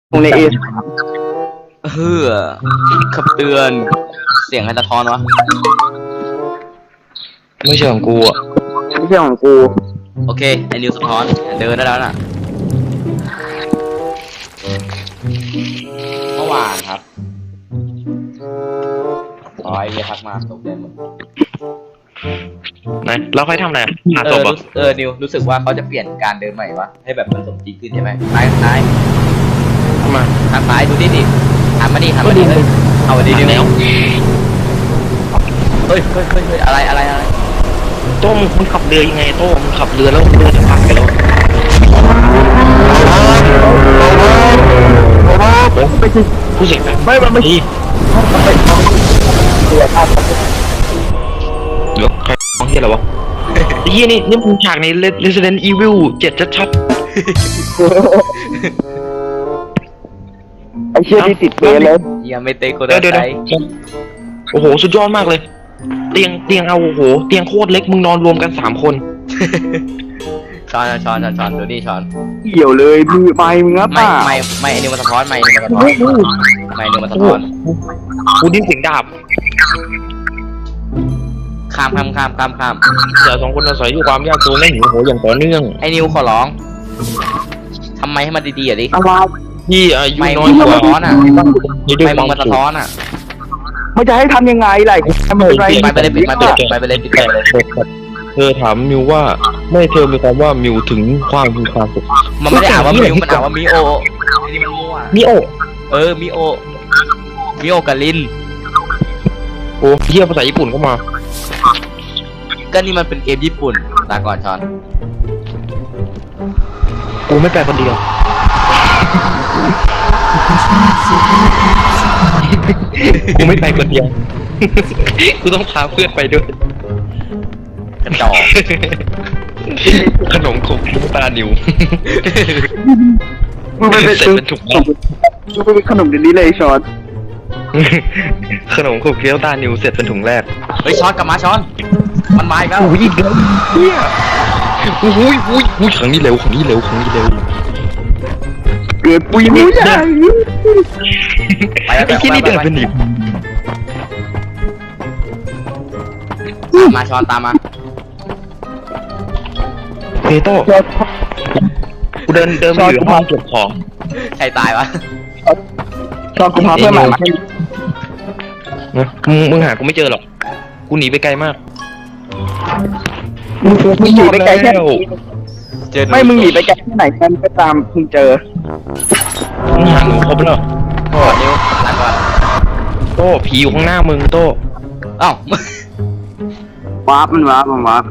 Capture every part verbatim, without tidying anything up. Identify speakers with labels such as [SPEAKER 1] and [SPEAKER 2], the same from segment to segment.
[SPEAKER 1] ตรงในเอ
[SPEAKER 2] เฮ้อคำเตือนเสียงใครสะท้อนวะ
[SPEAKER 3] ไม่ใช่ของกูอ่ะ
[SPEAKER 1] ไม่ใช่ของกู
[SPEAKER 2] โอเคไอ้นิวสะท้อนเดินได้แล้วน่ะเมื่อวานครับอ๋อไอเดียทักมาตกใจหมด
[SPEAKER 3] ไหนเราค่อยทำอะไรหา
[SPEAKER 2] เอ
[SPEAKER 3] ศ
[SPEAKER 2] อ
[SPEAKER 3] พอ่ะ
[SPEAKER 2] รู้เออนิวรู้สึกว่าเขาจะเปลี่ยนการเดินใหม่วะให้แบบมันสมจริงขึ้นใช่ไหมซ้ายซ้าย
[SPEAKER 3] มา
[SPEAKER 2] ทางซ้ายดูดิดิหันมาดิหันมาดิเฮ้ยเอาดิดิ
[SPEAKER 3] แล้ว
[SPEAKER 2] เฮ้ยเฮ้ยเฮ้ยเฮ้ยอะไรอะไรอะไร
[SPEAKER 3] โต้มึงขับเรือยังไงโต้มึงขับเรือแล้วเรือจะพังไปแล้วไม่ใช่ผู้เสียงไม่ไม่ไม่เดี๋ยวใครมองเห็นหรอวะไอ้เหี้ยนี่นี่มึงฉากใน Resident Evil เจ็ดชัด
[SPEAKER 1] ไอเชี่ยที่ติดเบรเลย
[SPEAKER 2] ยังไม่เตะโค
[SPEAKER 3] ๆ
[SPEAKER 2] ดา
[SPEAKER 3] เดี๋ยว
[SPEAKER 2] ไซ
[SPEAKER 3] เดี๋ยวโอ้โหสุดยอดมากเลย เตียงเตียงเอาโอ้โหเตียงโคตรเล็กมึงนอนรวมกันสามคน
[SPEAKER 2] ช้อนช้อนช้อนช้อนดูนี่ช้อน
[SPEAKER 1] เกี่ยวเลยมือไม้มึงอ่ะ
[SPEAKER 2] ไม่
[SPEAKER 1] ป่า
[SPEAKER 2] ไม่ไม่ไอ้นิวมาสะท้อนไม่ไอ้นิวมาสะท้อนไม่ไอ้นิวมาสะท้อน
[SPEAKER 3] กูได้เสียงดาบ
[SPEAKER 2] ข้ามข้ามข้ามข้ามข้าม
[SPEAKER 3] เดี๋ยวสองคนอาศัยอยู่ความยากจนและหิวโหยอย่างต่อเนื่อง
[SPEAKER 2] ไอ้นิวขอร้องทำไมให้มันดีๆอ่ะดิ
[SPEAKER 1] อะไร
[SPEAKER 3] ที่อายุ
[SPEAKER 2] ไม่
[SPEAKER 3] น้
[SPEAKER 2] มึ
[SPEAKER 3] อย
[SPEAKER 2] ง
[SPEAKER 3] ก
[SPEAKER 2] มา
[SPEAKER 3] ว่า
[SPEAKER 2] สะท้อนอ่ะ
[SPEAKER 3] นี่ด้วย
[SPEAKER 2] ไม่
[SPEAKER 3] ค
[SPEAKER 2] มึ
[SPEAKER 3] วาง ม
[SPEAKER 2] มาสะ
[SPEAKER 3] สุข
[SPEAKER 2] ท้อนอ่ะ
[SPEAKER 1] มันจะให้ทำยังไงล่ะไม่เป็นไร
[SPEAKER 2] ไปไปเลยปิดมาปิดไปไปเลยปิดไปเลย
[SPEAKER 3] เธอถามมิวว่าไม่เธอมีความว่ามิวถึงความมีความสุข
[SPEAKER 2] มันไม่ได้อ่านว่ามิวมันอ่านว่ามิโอไอ้นี่มันมั่ว
[SPEAKER 3] มิโอ
[SPEAKER 2] เออมิโอมิโอกับลิน
[SPEAKER 3] โอ้เฮียภาษาญี่ปุ่นเข้ามา
[SPEAKER 2] ก็นี่มันเป็นเกมญี่ปุ่นลาก่อนช้อน
[SPEAKER 3] กูไม่แปลคนเดียวกูไม่ไปคนเดียวกูต้องพาเพื่อนไปด้วย
[SPEAKER 2] กระจอก
[SPEAKER 3] ขนมขบลูกตานิว
[SPEAKER 1] มึงไปเป็น
[SPEAKER 3] เสร็จเป็นถุงแล้ว
[SPEAKER 1] มึงไปเป็นขนมเดี๋ยวนี้เลยชอน
[SPEAKER 3] ขนมขบเคี้ยวตานิวเสร็จเป็นถุงแรก
[SPEAKER 2] เฮ้ยช้อนกลับมาช้อน มันมาอีกแล้ว
[SPEAKER 3] โอ้ยอีกแล้วเฮียอุ้ยอุ้ยอุ้ยขังนี้เร็วขังนี้เร็วขังนี้เร็ว
[SPEAKER 1] เกิดปุยมุ้ยใหญ่
[SPEAKER 2] ไปแล้ว
[SPEAKER 3] ไอ้ที่นี่เดิน
[SPEAKER 2] ไป
[SPEAKER 3] เป็นหนี
[SPEAKER 2] ตามมาช้อนตามมา
[SPEAKER 3] เฮโต้กูเดินเดินไปอยู่ห้องเก็บของ
[SPEAKER 2] ใครตายวะ
[SPEAKER 1] ชอนกูพาเพื่อนใหม่มาให้
[SPEAKER 3] นะมึงมึงหากูไม่เจอหรอกกูหนีไปไกลมาก
[SPEAKER 1] มึงมึงหนีไปไกลแค่ไหน
[SPEAKER 2] เจอหนู
[SPEAKER 1] ไม่มึงหนีไปไกลแค่ไหนกันก็ตามมึงเจอ
[SPEAKER 3] มึงหาหนูครบแล้ว
[SPEAKER 2] โอ้นิ้วลาก่อน
[SPEAKER 3] โต้ผีอยู่ข้างหน้ามึงโต้
[SPEAKER 2] เอ้าว
[SPEAKER 1] าร์ปมันวาร์ปมันวาร์ป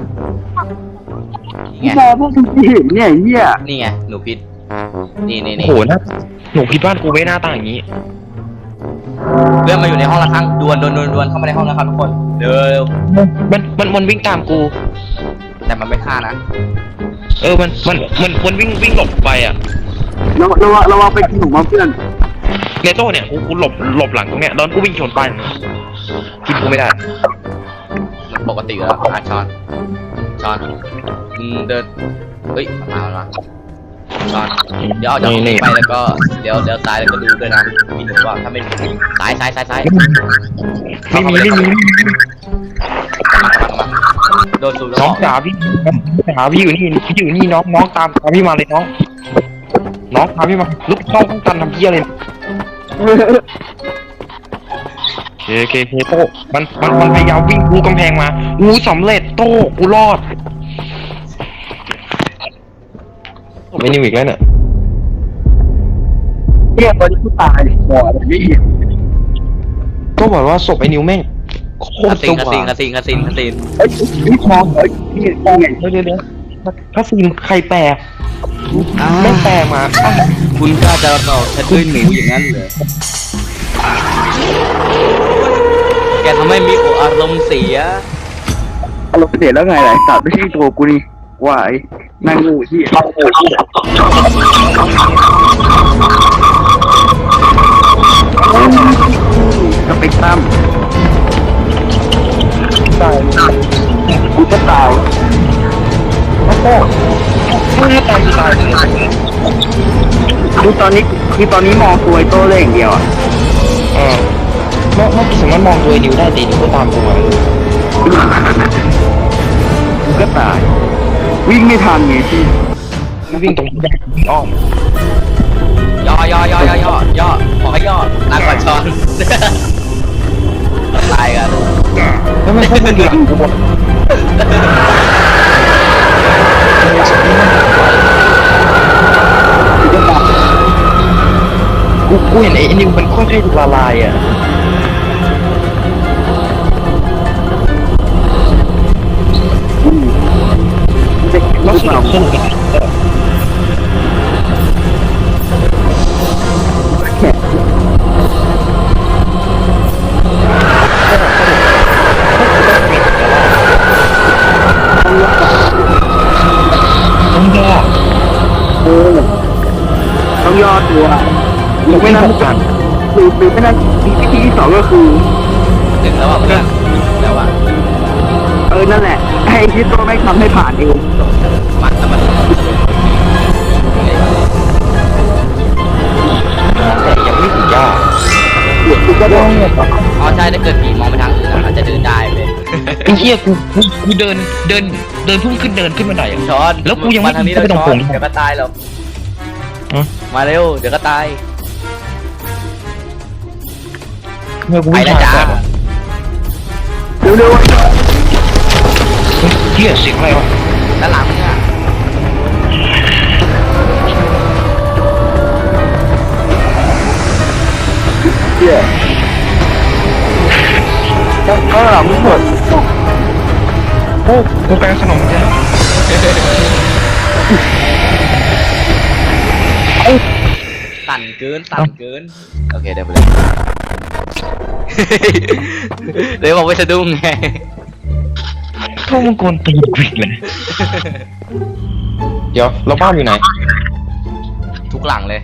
[SPEAKER 2] นี่
[SPEAKER 1] พี่
[SPEAKER 2] ไง
[SPEAKER 1] แกพวกมึงเห็นเนี่ยเหี้ย
[SPEAKER 2] นี่ไงหนูพิษนี่นี่
[SPEAKER 3] โอ้
[SPEAKER 2] นี่
[SPEAKER 3] โหนะหนูพี่บ้านกูไม่หน้าตาอย่างนี้
[SPEAKER 2] เพื่อนมาอยู่ในห้องละครั้งดวนดวนดวนดวนเข้ามาในห้องแล้วครับทุกคนเร็ว
[SPEAKER 3] มันมันมันวิ่งตามกู
[SPEAKER 2] แต่มันไม่ฆ่านะ
[SPEAKER 3] เออมันมันมันมันวิ่งวิ่งหลบไปอ่ะ
[SPEAKER 1] เราเราเราเอาไปกินหนูมาเพื่อน
[SPEAKER 3] ในโต้เนี่ยกูกูหลบหลบหลังตรงเนี้ยแล้วกูวิ่งชนไปกินกูไม่ได้
[SPEAKER 2] มันปกติอยู่แล้วอ่ะช้อนช้อนอืมเดินเฮ้ยมามามาช้อนเดี๋ยวเอาจากตรงนี้ไปแล้วก็เดี๋ยวเดี๋ยวซ้ายแล้วก็ดูด้วยนะมีหนูว่าถ้าไม่มีซ้ายซ้ายซ้ายซ้าย
[SPEAKER 3] ไม่มีไม่มี
[SPEAKER 2] กลับมากลับมากลับมาโดนสูบแล้ว
[SPEAKER 3] น้องจ๋าพี่จ๋าพี่อยู่นี่พี่อยู่นี่น้องน้องตามตามพี่มาเลยน้อง น้องตามพี่มาลุกเข้าห้องตันทำเพี้ยเลยเคเคเคโต้มันมันมันพยายามวิ่งกูกำแพงมาอู้สำเร็จโต้กูรอดไม่นิ่งอีกแล้วเนี่ย
[SPEAKER 1] เหี้ยตอนนี้กูตายหมออะไรไม่เห็น
[SPEAKER 3] ก็บอกว่าศพไอ้นิวแม่งโค
[SPEAKER 2] คา
[SPEAKER 3] ตร
[SPEAKER 2] ซิ
[SPEAKER 3] ส
[SPEAKER 2] นคา
[SPEAKER 3] ว่า
[SPEAKER 2] ซินคาซินคาซินคาซิน
[SPEAKER 1] เอ้ยนี่มองเอ้ยนี่มองไง
[SPEAKER 3] เดี๋ยวเดี๋ยวเดี๋ยวถ้าซีนใครแปลไม่แปลมาอ่ะ
[SPEAKER 2] คุณกล้าจะเราฉันด้วยหนูอย่างนั้นเหรอแกทำให้มีโออารมณ์เสีย
[SPEAKER 1] อารมณ์เสียแล้วไงล่ะสัตว์ไม่ใช่ตัวกูนี่วายนางงูที่เอางูที่สเปกตรัมตายกูจะตายโอ้โห
[SPEAKER 3] ไม่ตายตายเลย
[SPEAKER 1] ดูตอนนี้คือตอนนี้มองตัวไอ้โต้เลยอย่างเดียวอ่ะ
[SPEAKER 3] เออไม่ไม่สามารถมองตัวไอ้นิวได้แต่นิวก็ตามตัวเลย
[SPEAKER 1] กูก็ตาย วิ่งไม่ทันไงพี่
[SPEAKER 3] วิ่งตรงที่อ้อม
[SPEAKER 2] ย่อย่อย่อย่อย่อย่อขอให้ย่อลาก่อนช้อนตายกัน
[SPEAKER 3] แล้วมันพวกมึงอยู่หลังกูหมดกูกูเห็นไอ้นิวมันค่อยๆถูกละลายอ่ะ
[SPEAKER 1] จะ
[SPEAKER 3] แล้ว
[SPEAKER 1] รู้
[SPEAKER 3] ส
[SPEAKER 1] เป
[SPEAKER 3] นุ
[SPEAKER 1] ล่าก
[SPEAKER 3] สนุก
[SPEAKER 1] แค่
[SPEAKER 3] ต้องย่อ
[SPEAKER 1] เออต้องย่อตัวหรือไม่นั้นหรือหรือไม่นั้นมีวิธีที่สองก็คือ
[SPEAKER 2] ถึงแล้วอ่ะเพื่อนแล้วอ่ะ
[SPEAKER 1] เออนั่นแหละให้ที่ตัวไม่ทำให้ผ่านเอง
[SPEAKER 2] มันแต่มัน
[SPEAKER 3] แต่ยังไม่ถึงย่อ
[SPEAKER 1] เดี๋ยวกูก็ต้องเนี่ย
[SPEAKER 2] อ๋อใช่ถ้าเกิดผีมองไปทางอื่นอาจจะเดินได้เลย
[SPEAKER 3] ไอ้เหี้ยกูกูกูเดินเดินเดินพุ่งขึ้นเดินขึ้นมาไหนอ่ะ
[SPEAKER 2] ช้อน
[SPEAKER 3] แล้วกูยังไม่
[SPEAKER 2] มาทางนี้
[SPEAKER 3] ไม่
[SPEAKER 2] เรา
[SPEAKER 3] ต้อง
[SPEAKER 2] ช้อน
[SPEAKER 3] ผม
[SPEAKER 2] เดี๋ยวก็ตายหรอก
[SPEAKER 3] ฮะ
[SPEAKER 2] มาเร็วเดี๋ยวก็ตาย
[SPEAKER 3] เมื่อกู
[SPEAKER 2] ไป
[SPEAKER 3] วิ่ง
[SPEAKER 2] แล้วจ้า
[SPEAKER 3] ผ่าน
[SPEAKER 1] เร็ว
[SPEAKER 3] เหี้ยเสียงอะไรวะ
[SPEAKER 2] ด้านหลังมึงอ่ะ
[SPEAKER 1] ๆเดี๋ยวก็หลังมึงหมด
[SPEAKER 3] โอ้กูแปลขนมจ้ะ
[SPEAKER 2] สั่นเกินสั่นเกินโอเคเดี๋ยวไปเลยเดี๋ยวบอกไม่สะดุ้งไง
[SPEAKER 3] พวกมึงโกนตีนกูอีกเลยเดี๋ยวเราบ้านอยู่ไหน
[SPEAKER 2] ทุกหลังเลย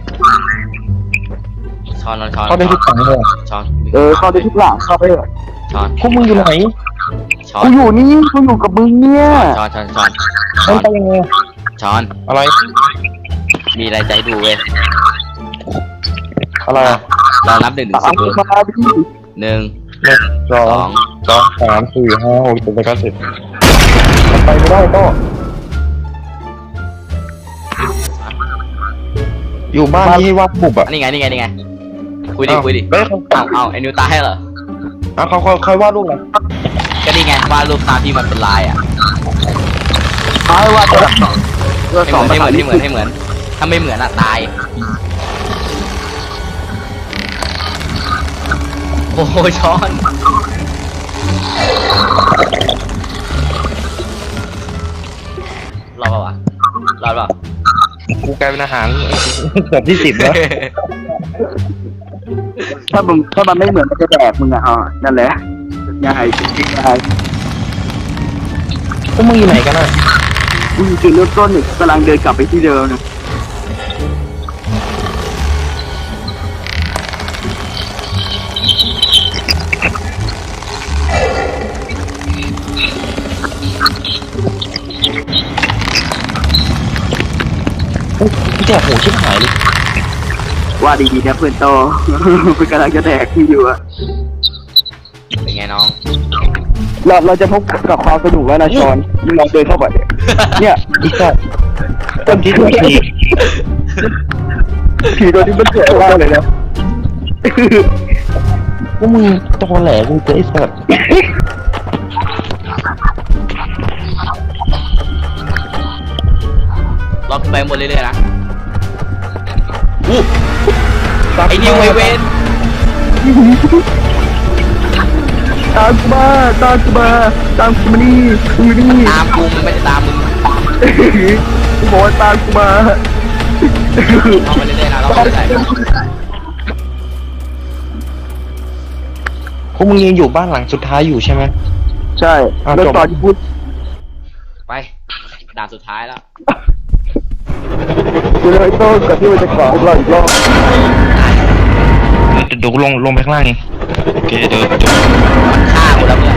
[SPEAKER 2] ช้อนช้อน
[SPEAKER 3] เขาได้ทุกครั้งเลย
[SPEAKER 2] ช้อน
[SPEAKER 1] เออเข้าไปทุกหลังเข้าไปเถอะ
[SPEAKER 2] ช้อน
[SPEAKER 3] พวกมึงอยู่ไหน
[SPEAKER 2] ช้อน
[SPEAKER 1] กูอยู่นี่กูอยู่กับมึงเนี่ย
[SPEAKER 2] ช้อนช้อนช้อน
[SPEAKER 3] มันไปยังไง
[SPEAKER 2] ช้อน
[SPEAKER 3] อะไร
[SPEAKER 2] มีอะไรใจดูเว้ย
[SPEAKER 3] อะไรอะ
[SPEAKER 2] ลองนับหนึ่งถึง
[SPEAKER 1] ตา
[SPEAKER 2] สิ
[SPEAKER 1] ม
[SPEAKER 2] บ
[SPEAKER 1] มาพี่
[SPEAKER 2] หนึ่ง
[SPEAKER 3] หนึ่งสอ
[SPEAKER 2] สอง ง
[SPEAKER 3] สองสามสี่ห้าหกเจ็ดแปดเก้าสิบมันไปไม่ได้ก็อยู่บ้านที่ให้วาดบุบอ่ะ
[SPEAKER 2] นี่ไงนี่ไงนี่ไงคุยดิคุยดิ
[SPEAKER 3] เฮ้ยเขา
[SPEAKER 2] เอาเอาไอ้นิวตายให้เหรอ
[SPEAKER 3] เอาเขาเขาเขาวาดรูปอะไร
[SPEAKER 2] ก็นี่ไงวาดรูปตามที่มันเป็นลายอ่ะ
[SPEAKER 1] ท้ายว่าตัวสองตัว
[SPEAKER 2] ให้
[SPEAKER 1] สอง
[SPEAKER 2] เหมือนให้เหมือนให้เหมือนให้เหมือนถ้าไม่เหมือนอ่ะตายโอ้โหช้อนรอดป่าวะรอดป่าว
[SPEAKER 3] กูกลายเป็นอาหารเกือบที่สิบแล้ว
[SPEAKER 1] ถ้ามึงถ้ามันไม่เหมือนมันจะแดกมึงอ่ะอ๋อนั่นแหละง่ายจริงๆง่าย
[SPEAKER 3] พวกมึงอยู่ไหนกันอ่ะ
[SPEAKER 1] กูอยู่จุดเริ่มต้นเนี่ยกำลังเดินกลับไปที่เดิมนะ
[SPEAKER 3] แจกหูชิบหายเลย
[SPEAKER 1] ว่าดีๆนะเพื่อนโต กูกำลังจะแดกที่อยู่อะ
[SPEAKER 2] เป็นไงน้อง
[SPEAKER 1] เราเราจะพบกับความสนุกแล้วนะชอนเราเดินเข้าไปเนี่ย
[SPEAKER 3] อีกสัตว์ต้นที่ถูกที
[SPEAKER 1] ผีตัวนี้มันเจ๋งมากเลยนะ
[SPEAKER 3] พวกมึงตอแหลกูเจอไอ้สัตว์
[SPEAKER 2] ล็อกไปหมดเรื่อยๆนะอู้ไอ้นิวไอเวน
[SPEAKER 1] ตามกูมาตามกูมาตามกูมานี่กูอยู่นี่
[SPEAKER 2] ตามกูมันไม่ได้ตามมึง
[SPEAKER 1] กูบอกว่าตามกูมา
[SPEAKER 2] ล็อกไปเรื่อยๆนะล็อกไปเรื่อย
[SPEAKER 3] พวกมึงยังอยู่บ้านหลังสุดท้ายอยู่ใช่ไหม
[SPEAKER 1] ใช่
[SPEAKER 3] อ่ะ
[SPEAKER 2] ๆ
[SPEAKER 1] แล้วตอนที่พูด
[SPEAKER 2] ไปด่านสุดท้ายแล้ว
[SPEAKER 1] กูเลยโต้กับที่มันจะก่อพวกเราอีกรอบ
[SPEAKER 3] เดี๋ยวลงลงไปข้างล่างเองโอเคเดี๋ยวเดี๋ยว
[SPEAKER 2] ฆ่ากูแล้วเพื่อน